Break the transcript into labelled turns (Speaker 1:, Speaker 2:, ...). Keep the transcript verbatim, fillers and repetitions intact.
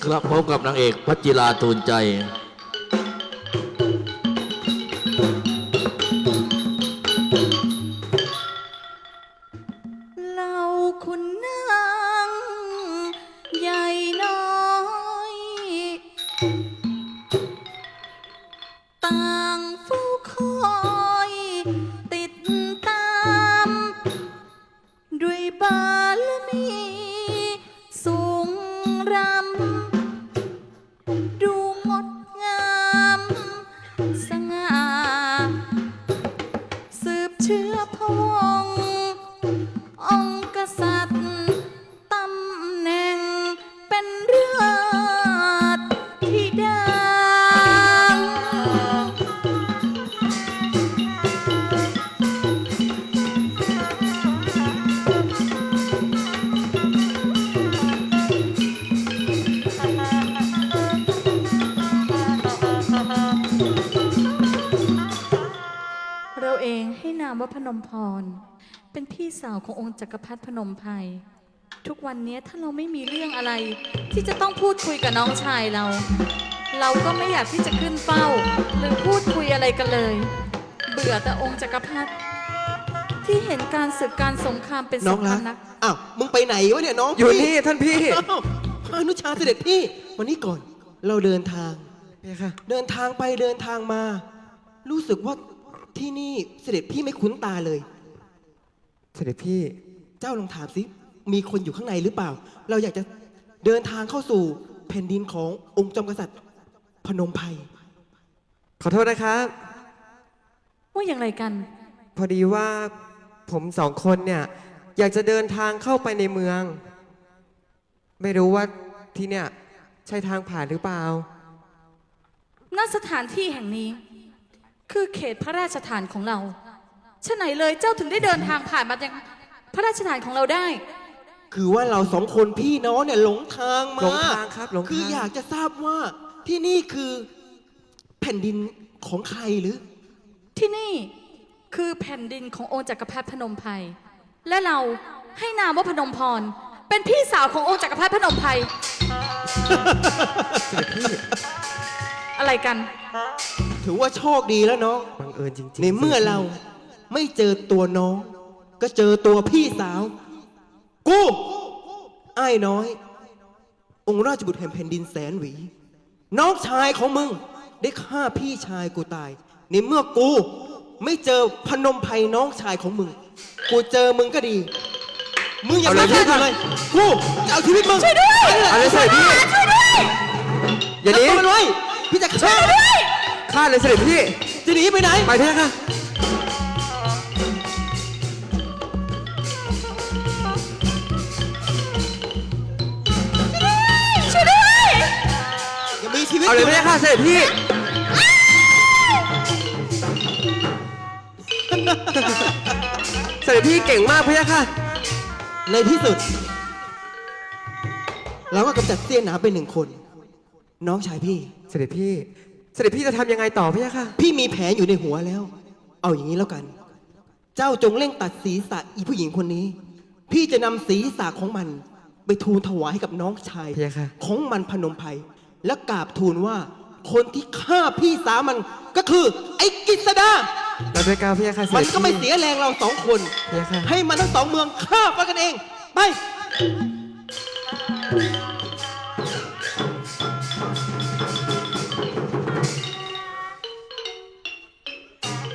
Speaker 1: ครับพบกับนางเอกพัชจิราตูนใจ
Speaker 2: เราคุณนางใหญ่น้อยต่างเฝ้าคอยติดตามด้วยบารมีสูงรำดูงดงามสง่าสืบเชื้อพระวงศ์องค์กษัตริย์ตำแหน่งเป็นเลือดที่ดังเราเองให้นามว่าพนมพรเป็นพี่สาวขององค์จักรพรรดิพนมไพรทุกวันนี้ถ้าเราไม่มีเรื่องอะไร ที่จะต้องพูดคุยกับน้องชายเรา เราก็ไม่อยากที่จะขึ้นเฝ้า หรือพูดคุยอะไรกันเลย เบื่อแต่องค์จักรพรรดิที่เห็นการศึกการสงครามเป็นสงครามนัก
Speaker 3: อ้าวมึงไปไหนวะเนี่ยน้อง
Speaker 4: อยู่นี่ท่านพี่
Speaker 3: อ้าวพานุชาเสด็จพี่วันนี้ก่อนเราเดินทาง
Speaker 4: พี่ค่ะ
Speaker 3: เดินทางไปเดินทางมา รู้สึกว่าที่นี่เสด็จพี่ไม่คุ้นตาเลย
Speaker 4: เสด็จพี่
Speaker 3: เจ้าลองถามสิมีคนอยู่ข้างในหรือเปล่า เราอยากจะเดินทางเข้าสู่แผ่นดินขององค์จอมกษัตริย์พนมไพร
Speaker 4: ขอโทษนะครับ
Speaker 2: ว่าอย่างไรกัน
Speaker 4: พอดีว่าผมสองคนเนี่ยอยากจะเดินทางเข้าไปในเมือง ไม่รู้ว่าที่เนี่ยใช่ทางผ่านหรือเปล่า
Speaker 2: ณสถานที่แห่งนี้ คือเขตพระราชฐานของเราฉะไหนเลยเจ้าถึงได้เดินทางผ่านมายังพระราชฐานของเราได้
Speaker 3: คือว่าเราสองคนพี่น้องเนี่ยหลงทางมา
Speaker 4: หลงทางครับหลงทาง
Speaker 3: คืออยากจะทราบว่าที่นี่คือแผ่นดินของใครหรือ
Speaker 2: ที่นี่คือแผ่นดินขององค์จักรพรรดิพนมไพรและเราให้นามว่าพนมพร เป็นพี่สาวขององค์จักรพรรดิพนมไพร
Speaker 4: เสด็จพี่
Speaker 2: อะไรกัน
Speaker 3: ถือว่าโชคดีแล้วน้อง
Speaker 4: บังเอิญจริงๆ
Speaker 3: ในเมื่อเราไม่เจอตัวน้อง ก็เจอตัวพี่สาว กูไอ้ายน้อย องค์ราชบุตรแห่งแผ่นดินแสนหวี น้องชายของมึง ได้ฆ่าพี่ชายกูตาย ในเมื่อกูไม่เจอพนมไพรน้องชายของมึง กูเจอมึงก็ดี มึงอย่ามาแค่เลยกูจะเอาชีวิตมึงช่วยด้วย
Speaker 4: เอาเลยเสด็จพี่
Speaker 2: ช่วยด้วย
Speaker 4: อย่าหนี
Speaker 3: จับตัวมันไว้พี่จะฆ่า
Speaker 4: ฆ่าเลยเสด็จพี่
Speaker 3: จะหนีไปไหน
Speaker 4: ไปพี่ค่ะ
Speaker 2: ช่วยด้วย
Speaker 3: อย่ามีชีวิต
Speaker 4: เอาเลย
Speaker 3: อยู่
Speaker 4: พี่
Speaker 3: นะ
Speaker 4: ค่ะเสด็จพี่ เสด็จพี่เก่งมากพี่ค่ะ
Speaker 3: ในที่สุด เราก็กำจัดเสี้ยนหนามไปหนึ่งคน น้องชายพี่
Speaker 4: เสด็จพี่ เสด็จพี่จะทำยังไงต่อพี่ค่ะ
Speaker 3: พี่มีแผนอยู่ในหัวแล้ว เอาอย่างนี้แล้วกัน เจ้าจงเร่งตัดศีรษะอีผู้หญิงคนนี้ พี่จะนำศีรษะของมัน ไปทูลถวายให้กับน้องชาย
Speaker 4: พี่ค่ะ
Speaker 3: ของมันพนมไพรและกราบทูลว่า คนที่ฆ่าพี่สาวมันก็คือ ไอ้กิษดา
Speaker 4: เราด้วยก้าวพี่ค่ะเส
Speaker 3: มัน
Speaker 4: ด็จ
Speaker 3: ก็ไม่
Speaker 4: พี่
Speaker 3: เสียแรงเราสองคน
Speaker 4: พี่ค่ะ
Speaker 3: ให้มันทั้งสองเมืองฆ่าไปกันเอง ไป